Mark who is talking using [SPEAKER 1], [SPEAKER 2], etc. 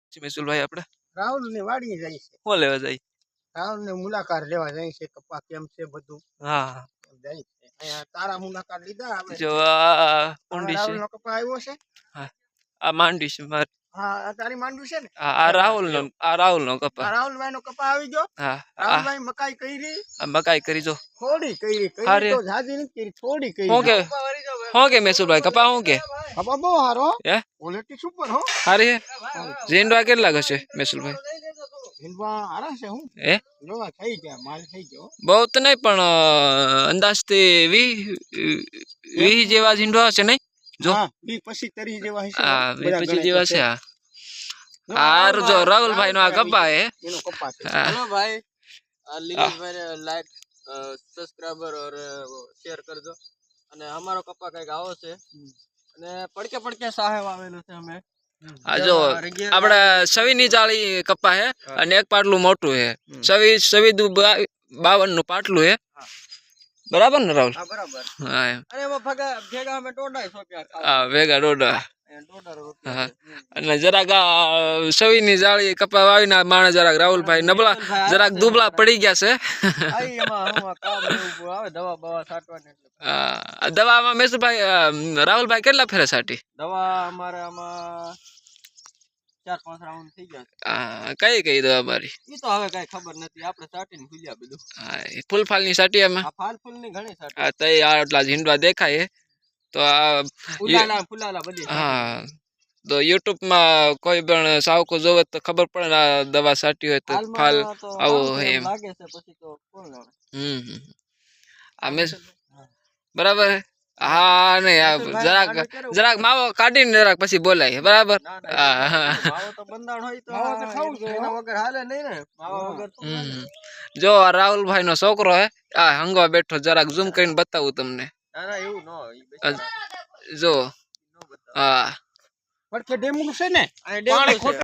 [SPEAKER 1] મેસુલભાઈ આપણે
[SPEAKER 2] રાહુલ ની વાડી જાય છે
[SPEAKER 1] શું લેવા જાય?
[SPEAKER 2] રાહુલ ને મુલાકાત લેવા જાય છે કપા કેમ છે બધું
[SPEAKER 1] હા
[SPEAKER 2] જાય છે અહીંયા તારા મુલાકાત લીધા હવે
[SPEAKER 1] જો આ
[SPEAKER 2] હવે
[SPEAKER 1] ઊંડી છે.
[SPEAKER 2] રાહુલ નો કપા આવ્યો છે
[SPEAKER 1] હા આ માંડી છે મારે.
[SPEAKER 2] હા આ તારી માંડવી છે ને
[SPEAKER 1] આ રાહુલ નો
[SPEAKER 2] આ
[SPEAKER 1] કપા.
[SPEAKER 2] રાહુલભાઈ નો કપા આવી ગયો
[SPEAKER 1] હા
[SPEAKER 2] રાહુલભાઈ મકાઈ કરી
[SPEAKER 1] આ મકાઈ કરી જો.
[SPEAKER 2] થોડી કરી
[SPEAKER 1] હારે.
[SPEAKER 2] તો જાજી નથી કરી થોડી કરી
[SPEAKER 1] શું કે મેસુલભાઈ કપા શું કે
[SPEAKER 2] કપા બહુ હારો
[SPEAKER 1] હે
[SPEAKER 2] ક્વોલિટી સુપર હો
[SPEAKER 1] હારી હે? ઝીંડવા કેટલા હશે મેસુલભાઈ?
[SPEAKER 2] હિંદવા હારા છે હું
[SPEAKER 1] હે
[SPEAKER 2] જોવા થઈ ગયા માલ થઈ ગયો
[SPEAKER 1] બહુ તો નહીં પણ અંદાજથી 20 જેવા ઝીંડવા હશે નહીં? જો
[SPEAKER 2] હા 20-25 તરી જેવા હશે
[SPEAKER 1] હા
[SPEAKER 2] બધા
[SPEAKER 1] 25 જેવા છે.
[SPEAKER 2] ગણાય
[SPEAKER 1] હા હારું જો રાહુલભાઈ નો આ કપા હે.
[SPEAKER 2] એનો કપા છે
[SPEAKER 1] હા.
[SPEAKER 3] हेलो भाई लिलीश भाई लाइक सब्सक्राइबर और शेयर कर दो અને અમારો કપા કઈક આવો છે અને પડકે સાહેબ આવેલું છે અમે
[SPEAKER 1] આ જો આપણે સવીની જાળી કપા હે અને એક પાટલું મોટું હે. સવી 52 નું પાટલું હે બરાબર ને રાહુલ?
[SPEAKER 3] હા બરાબર
[SPEAKER 1] હા એમ.
[SPEAKER 3] અને એમાં ભેગા અમે ટોડા સોપ્યા
[SPEAKER 1] હા ભેગા ડોડા.
[SPEAKER 3] ટોડા
[SPEAKER 1] હા અને જરાક સવીની જાળી કપા વાવીને માણસ જરાક રાહુલભાઈ નબળા જરાક દુબળા પડી ગયા છે.
[SPEAKER 3] આઈ એમાં કામ એવું આવે દવા બવા છાંટવાની એટલે
[SPEAKER 1] દવામાં મેસુભાઈ રાહુલભાઈ કેટલા ફેરે છાંટી?
[SPEAKER 3] દવા અમારે આમાં 4-5 રાઉન્ડ થઈ ગયા
[SPEAKER 1] કઈ દવા મારી?
[SPEAKER 3] ઈ તો હવે કઈ ખબર નથી આપણે છાંટીને ભૂલ્યા બધું
[SPEAKER 1] ફૂલ ની સાટી એમાં?
[SPEAKER 3] આ ફાલ ની ઘણી છાંટી
[SPEAKER 1] હા તો આટલા ઝીંડવા દેખાય તો આ
[SPEAKER 3] ફુલાલા બધી
[SPEAKER 1] હા તો યુટ્યુબ માં કોઈ પણ સાવકો જોવે તો ખબર પડે ને આ દવા છાંટી હોય તો ફાલ આવો હોય એમ
[SPEAKER 3] લાગે છે પછી તો કોણ જાણે
[SPEAKER 1] આ મેં બરાબર. હા નહીં જરાક માવો કાઢીને જરાક પછી બોલાય બરાબર.
[SPEAKER 3] માવો તો બંધાણ હોય તો
[SPEAKER 2] માવો તો ખાવું જોઈએ
[SPEAKER 3] એના વગર હાલે નહીં ને માવા વગર તો
[SPEAKER 1] જો આ રાહુલભાઈ નો છોકરો હે આ હંગવા બેઠો જરાક ઝૂમ કરીને બતાવું તમને.
[SPEAKER 3] ના એવું ન હોય
[SPEAKER 1] જો હા
[SPEAKER 2] પડકે ડેમનું છે ને
[SPEAKER 3] આ ડેમનું છે.